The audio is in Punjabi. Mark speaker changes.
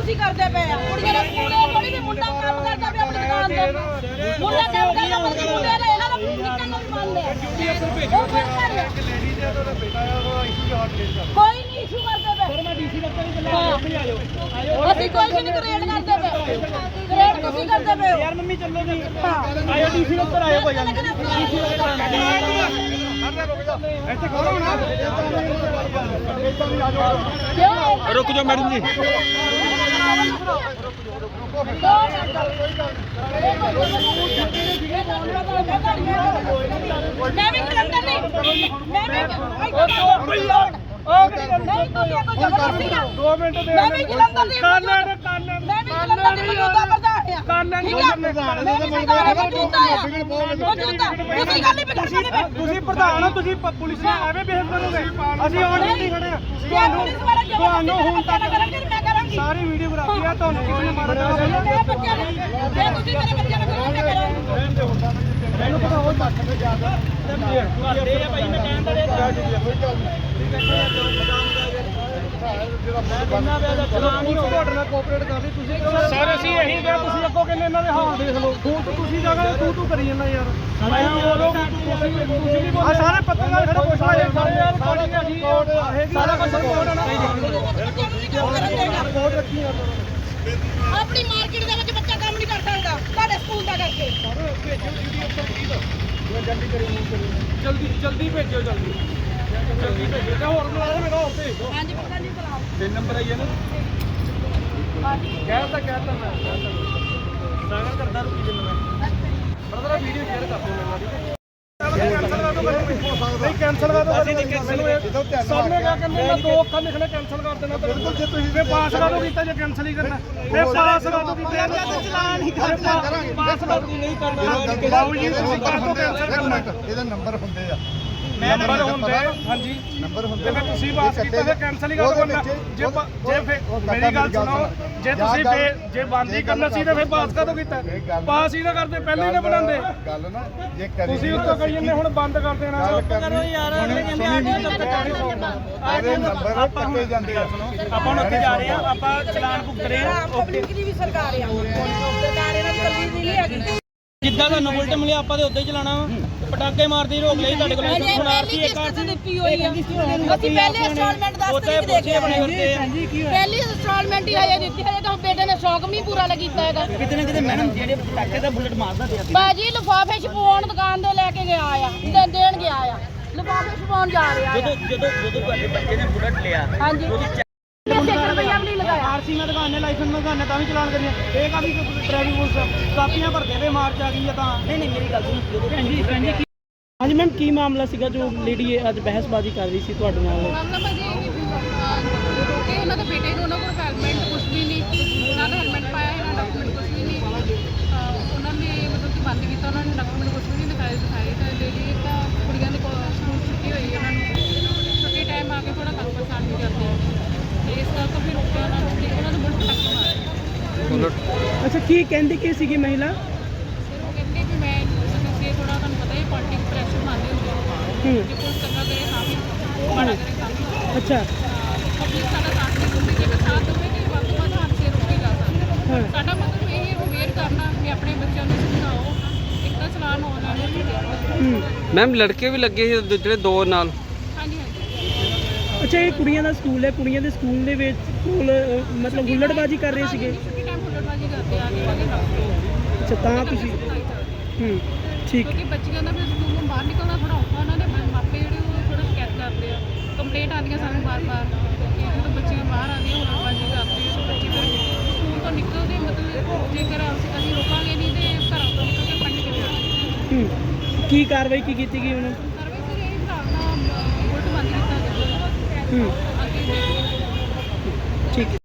Speaker 1: ਤੁਸੀਂ ਕਰਦੇ ਪਏ ਆ ਕੁੜੀਆਂ ਦੇ ਸਕੂਲੇ ਥੋੜੀ ਵੀ ਮੁੰਡਾ ਕੰਮ ਕਰਦਾ ਪਿਆ ਆਪਣੀ ਦੁਕਾਨ ਤੇ ਮੁੰਡਾ ਕੰਮ ਕਰਦਾ ਪਰ ਮੁੰਡੇ ਦਾ ਇਹਨਾਂ ਦਾ ਨਿਕਲਣ ਨੂੰ ਵੀ ਮੰਨਦੇ ਆ ਕੋਈ ਨਹੀਂ ਇਸ਼ੂ ਕਰਦੇ ਪਏ ਸਰ ਮੈਂ ਡੀਸੀ ਦਫ਼ਤਰ ਹੀ ਚੱਲਿਆ ਮੰਮੀ ਆ ਜਾਓ ਅਸੀਂ ਕੋਈ ਨਹੀਂ ਗ੍ਰੇਡ ਕਰਦੇ ਪਏ ਗ੍ਰੇਡ ਤੁਸੀਂ ਕਰਦੇ ਪਏ ਯਾਰ ਮੰਮੀ ਚੱਲੋ ਜੀ ਆਇਓ ਡੀਸੀ ਦਫ਼ਤਰ ਆਇਓ ਕੋਈ ਗੱਲ ਨਹੀਂ ਡੀਸੀ
Speaker 2: ਇੱਥੇ ਖੜੋ ਨਾ
Speaker 1: रुक जाओ मैडम जी मैं भी जलंधर नहीं मैं भी नहीं तो क्या कोई जबरदस्ती है 2 मिनट दे मैं भी जलंधर नहीं मैं भी जलंधर नहीं मौजूदा प्रधान है कानन मैं भी मौजूदा है मौजूदा ਤੁਸੀਂ ਗੱਲ ਨਹੀਂ ਬਿਗੜ ਸਕਦੇ
Speaker 2: ਤੁਸੀਂ ਪ੍ਰਧਾਨ ਹੋ ਤੁਸੀਂ ਪੁਲਿਸ ਨਾਲ ਐਵੇਂ ਬਿਹੇਵ ਕਰੋਗੇ ਅਸੀਂ ਆਉਣ ਨਹੀਂ ਖੜੇ ਆ ਤੁਹਾਨੂੰ ਹੁਣ ਤੱਕ
Speaker 1: ਮੈਂ ਕਰਾਂਗੀ
Speaker 2: ਸਾਰੀ ਵੀਡੀਓਗ੍ਰਾਫੀ ਆ ਤੁਹਾਨੂੰ ਕਿਸੇ ਨੇ ਮਾਰਨਾ
Speaker 1: ਮੈਂ ਬੱਚਿਆਂ ਨੂੰ ਜੇ ਤੁਸੀਂ ਮੇਰੇ ਬੱਚਿਆਂ ਨੂੰ ਕਰੋਗੇ ਮੈਂ ਕਰਾਂਗੀ
Speaker 2: ਮੈਨੂੰ ਪਤਾ ਉਹ ਤੱਕ ਤੇ ਜਾ ਕੇ ਆ ਭਾਈ ਮੈਂ ਕਹਿਣ ਦਾ ਸਰ ਅਸੀਂ ਇਹੀ ਕਿਹਾ ਤੁਸੀਂ ਅੱਗੋਂ ਕਹਿੰਦੇ ਇਹਨਾਂ ਦੇ ਹਾਲ ਦੇਖ ਲਓ ਤੁਸੀਂ ਜਗ੍ਹਾ ਤੂੰ ਕਰੀ ਜਾਂਦਾ ਯਾਰ ਆ ਸਾਰੇ ਪੱਤਰਕਾਰ ਖੜੇ ਪੁੱਛ ਰਹੇ ਸਾਰਾ ਕੁਝ ਰਿਪੋਰਟ ਹੈ ਨਾ ਰਿਪੋਰਟ ਰੱਖੀ ਆ
Speaker 1: ਆਪਣੀ ਮਾਰਕੀਟ ਦੇ ਵਿੱਚ ਬੱਚਾ ਕੰਮ ਨਹੀਂ ਕਰ ਸਕਦਾ ਤੁਹਾਡੇ ਸਕੂਲ ਦਾ ਕਰਕੇ
Speaker 2: ਜਲਦੀ ਭੇਜੋ ਜਲਦੀ ਭੇਜੋ ਤੇ ਹੋਰ ਬੁਲਾ ਮੇਰਾ ਹੋਰ ਭੇਜ ਦਿਓ
Speaker 1: ਹਾਂਜੀ ਪਤਾ ਨਹੀਂ ਬੁਲਾਓ
Speaker 2: 3 ਨੰਬਰ ਆਈ ਹੈ ਨਾ ਕਹਿਤਾ ਮੈਂ ਸਾਗਰ ਕਰਦਾ ਰੁਕੀ ਜਿੰਨ ਮੈਂ ਬਰਦਰ ਵੀਡੀਓ ਸ਼ੇਅਰ ਕਰ ਦਿਓ ਮੈਨੂੰ ਨਹੀਂ ਕੈਂਸਲ ਕਰ ਦੋ ਅਸੀਂ ਨਹੀਂ ਕੈਂਸਲ ਸਾਹਮਣੇ ਕਿਆ ਕਹਿੰਦੇ ਮੈਂ 2 ਅੱਖਾਂ ਲਿਖਣੇ ਕੈਂਸਲ ਕਰ ਦੇਣਾ ਬਿਲਕੁਲ ਜੇ ਤੁਸੀਂ ਫੇ ਪਾਸ ਕਰ ਦੋ ਕੀਤਾ ਜੇ ਕੈਂਸਲ ਹੀ ਕਰਨਾ ਫੇ ਪਾਸ ਕਰ ਦੋ ਕੀਤਾ ਚਲਾਨ ਹੀ ਕਰਾਂਗੇ ਪਾਸ ਕਰ ਦੋ ਨਹੀਂ ਕਰਨਾ ਬਾਬੂ ਜੀ ਤੁਸੀਂ ਕਰ ਦੋ ਕੈਂਸਲ ਕਰਨਾ
Speaker 3: ਇਹਦਾ ਨੰਬਰ ਹੁੰਦੇ ਆ
Speaker 2: ਨੰਬਰ ਹੁੰਦੇ ਹਾਂਜੀ
Speaker 3: ਨੰਬਰ ਹੁੰਦੇ
Speaker 2: ਤੇ ਫਿਰ ਤੁਸੀਂ ਬਾਤ ਕੀਤਾ ਫਿਰ ਕੈਂਸਲ ਹੀ ਕਰ ਦੋ ਜੇ ਮੇਰੀ ਗੱਲ ਸੁਣੋ ਜੇ ਤੁਸੀਂ ਜੇ ਬੰਦ ਹੀ ਕਰਨਾ ਸੀ ਤਾਂ ਫਿਰ ਪਾਸ ਕਦੋਂ ਕੀਤਾ ਪਾਸ ਹੀ ਨਾ ਕਰਦੇ ਪਹਿਲਾਂ ਹੀ ਨਾ ਬਣਾਉਂਦੇ
Speaker 3: ਗੱਲ ਨਾ ਜੇ ਕਰੀ
Speaker 2: ਤੁਸੀਂ ਉੱਤੋਂ ਕਹੀ ਜਾਂਦੇ ਹੁਣ ਬੰਦ ਕਰ ਦੇਣਾ
Speaker 1: ਕਰੋ ਯਾਰ
Speaker 3: ਇਹਦੇ ਨੰਬਰ ਕੱਟੇ ਜਾਂਦੇ ਆ
Speaker 2: ਆਪਾਂ ਹੁਣ ਉੱਥੇ ਜਾ ਰਹੇ ਆ ਆਪਾਂ ਚਲਾਨ ਭੁਗਤ ਰਹੇ ਆ
Speaker 1: ਪਬਲਿਕ ਦੀ ਵੀ ਸਰਕਾਰ ਆ ਸਰਕਾਰ ਇਹਨਾਂ ਦੀ ਕੱਲੀ ਨਹੀਂ ਹੈਗੀ
Speaker 2: ਜਿੱਦਾਂ ਤੁਹਾਨੂੰ ਬੁਲਟ ਮਿਲਿਆ ਆਪਾਂ ਤੇ ਉੱਦਾਂ ਹੀ ਚਲਾਣਾ ਪਟਾਕੇ ਮਾਰਦੀ ਰੋਕ ਲਈ ਤੁਹਾਡੇ ਕੋਲ
Speaker 1: ਸੁਣਾਰਤੀ ਇੱਕ ਆਰ ਦਿੱਤੀ ਹੋਈ ਆ ਅਸੀਂ ਪਹਿਲੇ ਇੰਸਟਾਲਮੈਂਟ 10 ਤਰੀਕ ਦੇਖੇ ਪਹਿਲੀ ਇੰਸਟਾਲਮੈਂਟ ਹੀ ਹਜੇ ਦਿੱਤੀ ਹੈ ਤਾਂ ਬੇਟੇ ਨੇ ਸ਼ੌਕ ਵੀ ਪੂਰਾ ਕੀਤਾ ਹੈਗਾ
Speaker 2: ਕਿਤੇ ਨਾ ਕਿਤੇ ਮੈਡਮ ਜਿਹੜੇ ਪਟਾਕੇ ਦਾ ਬੁਲਟ ਮਾਰਦਾ ਪਿਆ
Speaker 1: ਬਾਜੀ ਲਿਫਾਫੇ ਛਪਾਉਣ ਦੁਕਾਨ ਦੇ ਲੈ ਕੇ ਗਿਆ ਆ ਦੇਣ ਗਿਆ ਆ ਲਿਫਾਫੇ ਛਪਾਉਣ ਜਾ ਰਿਹਾ ਆ
Speaker 2: ਜਦੋਂ ਤੁਹਾਡੇ ਬੱਚੇ ਨੇ ਬੁਲਟ ਲਿਆ
Speaker 1: ਹਾਂਜੀ ਰੁਪਈਆ ਵੀ ਨਹੀਂ ਲਗਾਇਆ
Speaker 2: ਆਰਸੀ ਮੈਂ ਦੁਕਾਨੇ ਲਾਇਸੈਂਸ ਮੈਂ ਦੁਕਾਨੇ ਤਾਂ ਵੀ ਚਲਾਨ ਕਰੀਏ ਇਹ ਕਾਫੀ ਡਰਾਈਵਿੰਗ ਪੁਲਿਸ ਕਾਪੀਆਂ ਭਰਦੇ ਵੇ ਮਾਰਚ ਆ ਗਈ ਆ ਤਾਂ ਨਹੀਂ ਮੇਰੀ ਗੱਲ ਸੁਣੋ ਭੈਣ ਜੀ ਹਾਂਜੀ ਮੈਮ ਕੀ ਮਾਮਲਾ ਸੀਗਾ ਜੋ ਲੇਡੀ ਅੱਜ ਬਹਿਸਬਾਜ਼ੀ ਕਰ ਰਹੀ ਸੀ ਤੁਹਾਡੇ ਨਾਲ
Speaker 4: ਮਾਮਲਾ ਭਾਜੀ ਕਿ ਉਹਨਾਂ ਦੇ ਬੇਟੇ ਨੂੰ ਉਹਨਾਂ ਕੋਲ ਹੈਲਮਟ ਕੁਝ ਵੀ ਨਹੀਂ ਉਹਨਾਂ ਦਾ ਹੈਲਮਟ ਪਾਇਆ ਇਹਨਾਂ ਡਾਕੂਮੈਂਟ ਕੁਝ ਵੀ ਨਹੀਂ ਉਹਨਾਂ ਨੇ ਮਤਲਬ ਕਿ ਬੰਦ ਕੀਤਾ ਉਹਨਾਂ ਨੇ ਡਾਕੂਮੈਂਟ ਕੁਝ ਵੀ ਨਹੀਂ ਦਿਖਾਏ ਤਾਂ ਲੇਡੀ ਤਾਂ ਕੁੜੀਆਂ ਦੇ ਸਕੂਲ ਛੁੱਟੀ ਹੋਈ ਉਹਨਾਂ ਨੂੰ ਛੁੱਟੀ ਟਾਈਮ ਆ ਕੇ ਥੋੜਾ ਕੰਮ ਪਰੇਸ਼ਾਨ ਵੀ ਕਰਦੇ ਤੇ ਇਸ ਕਰਕੇ ਫਿਰ ਰੁਕਿਆ ਉਹਨਾਂ ਨੂੰ ਕਿ ਉਹਨਾਂ ਨੂੰ ਬੁਲਟ ਟੱਕ ਮਾਰਿਆ
Speaker 2: ਅੱਛਾ ਕੀ ਕਹਿੰਦੀ ਕੀ ਸੀਗੀ ਮਹਿਲਾ
Speaker 4: ਫਿਰ ਉਹ ਕਹਿੰਦੇ ਵੀ ਮੈਂ ਕਿ ਥੋੜਾ ਤੁਹਾਨੂੰ ਪਤਾ ਹੈ ਪੋਲਿਟਿਕਲ ਪ੍ਰੈਸ਼ਰ ਮੰਨਦੇ ਹੁੰਦੇ ਕਿ ਕੋਈ ਚੰਗਾ ਕਰੇ ਤਾਂ ਵੀ ਮਾੜਾ ਕਰੇ ਤਾਂ ਵੀ
Speaker 2: ਅੱਛਾ
Speaker 4: ਪਬਲਿਕ ਸਾਡਾ ਸਾਥ ਨਹੀਂ ਦਿੰਦੀ ਜੇ ਸਾਥ ਦੇਵੇ ਕਿ ਵੱਧ ਤੋਂ ਵੱਧ ਹਾਦਸੇ ਰੋਕੇ ਜਾ ਸਕਦੇ ਸਾਡਾ ਮਤਲਬ ਇਹ ਅਵੇਅਰ ਕਰਨਾ ਕਿ ਆਪਣੇ ਬੱਚਿਆਂ ਨੂੰ ਸਮਝਾਓ ਇੱਕ ਤਾਂ ਚਲਾਨ ਹੋਣ ਵਾਲਾ
Speaker 5: ਮੈਮ ਲੜਕੇ ਵੀ ਲੱਗੇ ਸੀ ਜਿਹੜੇ 2 ਨਾਲ
Speaker 4: ਹਾਂਜੀ ਹਾਂਜੀ
Speaker 2: ਅੱਛਾ ਇਹ ਕੁੜੀਆਂ ਦਾ ਸਕੂਲ ਹੈ ਕੁੜੀਆਂ ਦੇ ਸਕੂਲ ਦੇ ਵਿੱਚ ਮਤਲਬ ਹੁੱਲੜਬਾਜ਼ੀ ਕਰ ਰਹੇ ਸੀਗੇ
Speaker 4: ਛੁੱਟੀ ਟਾਈਮ ਹੁੱਲੜਬਾਜ਼ੀ ਕਰਦੇ ਆ ਕੇ ਵਾਲੇ
Speaker 2: ਅੱਛਾ ਤਾਂ ਤੁਸੀਂ ਠੀਕ
Speaker 4: ਕਿਉਂਕਿ ਬੱਚਿਆਂ ਦਾ ਫਿਰ ਸਕੂਲ ਤੋਂ ਬਾਹਰ ਨਿਕਲਣਾ ਥੋੜਾ ਔਖਾ ਉਹਨਾਂ ਦੇ ਮਾਪੇ ਜਿਹੜੇ ਉਹ ਥੋੜਾ ਸ਼ਿਕਾਇਤ ਕਰਦੇ ਆ ਕੰਪਲੇਂਟ ਆਉਂਦੀਆਂ ਸਾਨੂੰ ਬਾਰ-ਬਾਰ ਕਿ ਜਦੋਂ ਬੱਚੀਆਂ ਬਾਹਰ ਆਉਂਦੀਆਂ ਹੁੱਲੜਬਾਜ਼ੀ ਕਰਦੇ ਆ ਤਾਂ ਬੱਚੇ ਫਿਰ ਸਕੂਲ ਤੋਂ ਨਿਕਲਦੇ ਮਤਲਬ ਜੇਕਰ ਅਸੀਂ ਰੋਕਾਂਗੇ ਨਹੀਂ ਤੇ ਘਰਾਂ ਤੋਂ ਨਿਕਲ ਕੇ ਪੜ੍ਹਨ ਕਿਵੇਂ ਆਉਣਗੇ
Speaker 2: ਕੀ ਕਾਰਵਾਈ ਕੀ ਕੀਤੀ ਗਈ ਉਹਨੂੰ
Speaker 4: ਸਰਵਿਸ ਇਹ ਹਿਸਾਬ ਨਾਲ ਉਲਟ ਬੰਦ ਕੀਤਾ ਜਾਵੇ
Speaker 2: ਠੀਕ